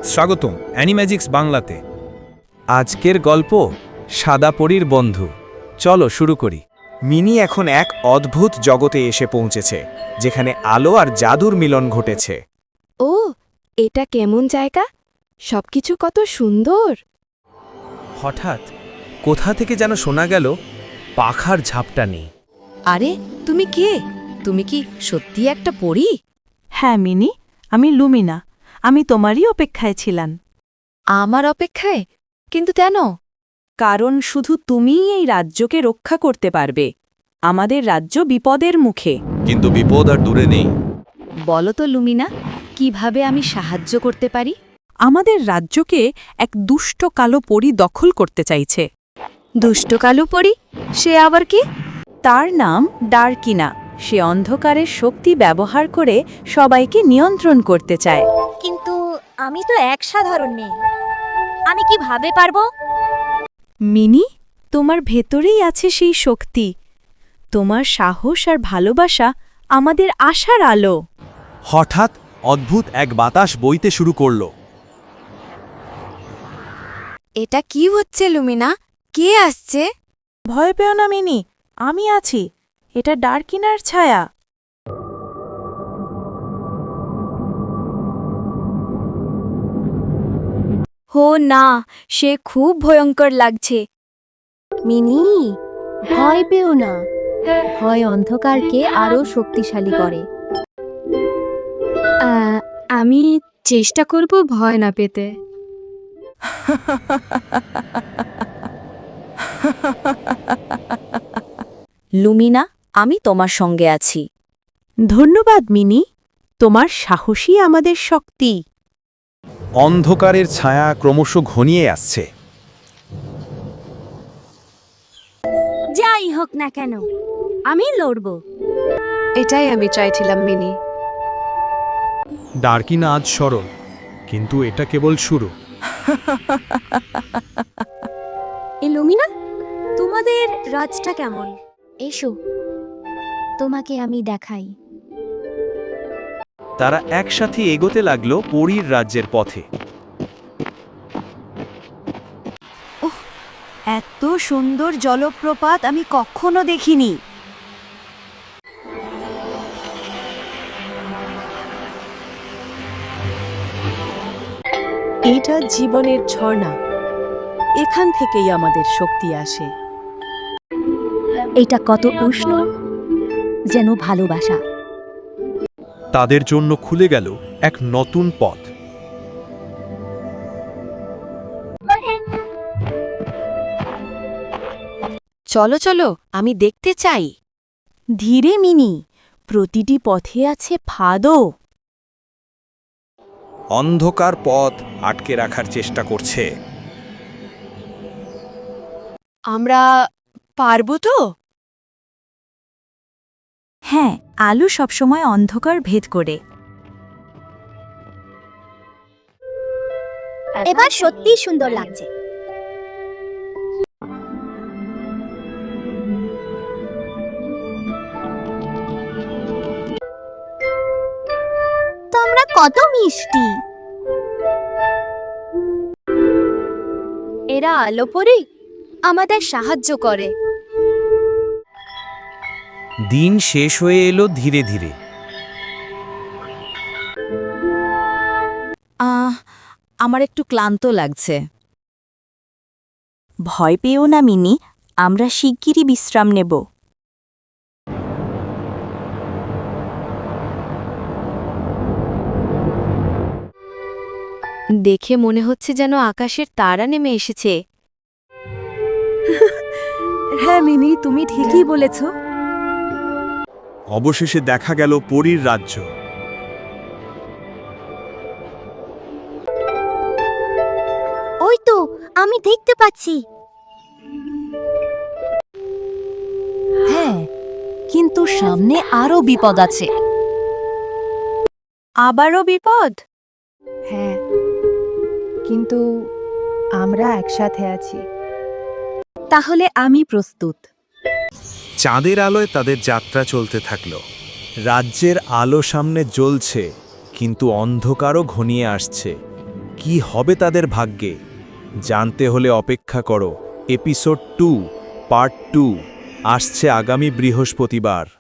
স্বাগতম অ্যানিম্যাজিক্স বাংলাতে। আজকের গল্প সাদা পরীর বন্ধু। চলো শুরু করি। মিনি এখন এক অদ্ভুত জগতে এসে পৌঁছেছে, যেখানে আলো আর জাদুর মিলন ঘটেছে। ও, এটা কেমন জায়গা? সবকিছু কত সুন্দর। হঠাৎ কোথা থেকে যেন শোনা গেল পাখার ঝাপটা নেই। আরে, তুমি কে? তুমি কি সত্যি একটা পরী? হ্যাঁ মিনি, আমি লুমিনা। আমি তোমারই অপেক্ষায় ছিলাম। আমার অপেক্ষায়? কিন্তু কেন? কারণ শুধু তুমিই এই রাজ্যকে রক্ষা করতে পারবে। আমাদের রাজ্য বিপদের মুখে। কিন্তু বিপদ আর দূরে নেই। বলো তো লুমিনা, কিভাবে আমি সাহায্য করতে পারি? আমাদের রাজ্যকে এক দুষ্ট কালো পরী দখল করতে চাইছে। দুষ্ট কালো পরী? সে আবার কি? তার নাম ডার্কিনা। সে অন্ধকারের শক্তি ব্যবহার করে সবাইকে নিয়ন্ত্রণ করতে চায়। কিন্তু আমি তো এক সাধারণ মেয়ে, আমি কিভাবে পারবো? মিনি, তোমার ভেতরেই আছে সেই শক্তি। তোমার সাহস আর ভালোবাসা আমাদের আশার আলো। হঠাৎ অদ্ভুত এক বাতাস বইতে শুরু করল। এটা কি হচ্ছে লুমিনা? কে আসছে? ভয় পেও না মিনি, আমি আছি। এটা ডার্কিনার ছায়া। হো না, সে খুব ভয়ঙ্কর লাগছে। মিনি, ভয় পেও না। ভয় অন্ধকারকে আরো শক্তিশালী করে। আমি চেষ্টা করব ভয় না পেতে। লুমিনা, আমি তোমার সঙ্গে আছি। ধন্যবাদ মিনি, তোমার সাহসী আমাদের শক্তি। অন্ধকারের ছায়া ক্রমশ ঘনিয়ে আসছে। যাই হোক না কেন, আমি লড়ব। এটাই আমি চাইছিলাম মিনি। ডার্কিনা আজ সরল, কিন্তু এটা কেবল শুরু। লুমিনা, তোমাদের রাজটা কেমন? এসো, তোমাকে আমি দেখাই। তারা একসাথে এগোতে লাগলো পরীর রাজ্যের পথে। এত সুন্দর জলপ্রপাত আমি কখনো দেখিনি। এটা জীবনের ঝর্ণা। এখান থেকেই আমাদের শক্তি আসে। এটা কত উষ্ণ, যেন ভালোবাসা। তাদের জন্য খুলে গেল এক নতুন পথ। চলো চলো, আমি দেখতে চাই। ধীরে মিনি, প্রতিটি পথে আছে ফাঁদও। অন্ধকার পথ আটকে রাখার চেষ্টা করছে। আমরা পারবো তো? হ্যাঁ, আলো সবসময় অন্ধকার ভেদ করে। এবার সত্যি সুন্দর লাগছে। তোমরা কত মিষ্টি। এরা আলো পরি আমাদের সাহায্য করে। দিন শেষ হয়ে এলো ধীরে ধীরে। আমার একটু ক্লান্ত লাগছে। ভয় পেও না মিনি, আমরা শিগগিরই বিশ্রাম নেব। দেখে মনে হচ্ছে যেন আকাশের তারা নেমে এসেছে। হ্যাঁ মিনি, তুমি ঠিকই বলেছ। অবশেষে দেখা গেল পরীর রাজ্য। ওই তো, আমি দেখতে পাচ্ছি। হ্যাঁ, কিন্তু সামনে আরো বিপদ আছে। আবারও বিপদ? হ্যাঁ, কিন্তু আমরা একসাথে আছি। তাহলে আমি প্রস্তুত। চাঁদের আলোয় তাদের যাত্রা চলতে থাকল। রাজ্যের আলো সামনে জ্বলছে, কিন্তু অন্ধকারও ঘনিয়ে আসছে। কি হবে তাদের ভাগ্যে জানতে হলে অপেক্ষা করো এপিসোড 2 পার্ট 2 আসছে আগামী বৃহস্পতিবার।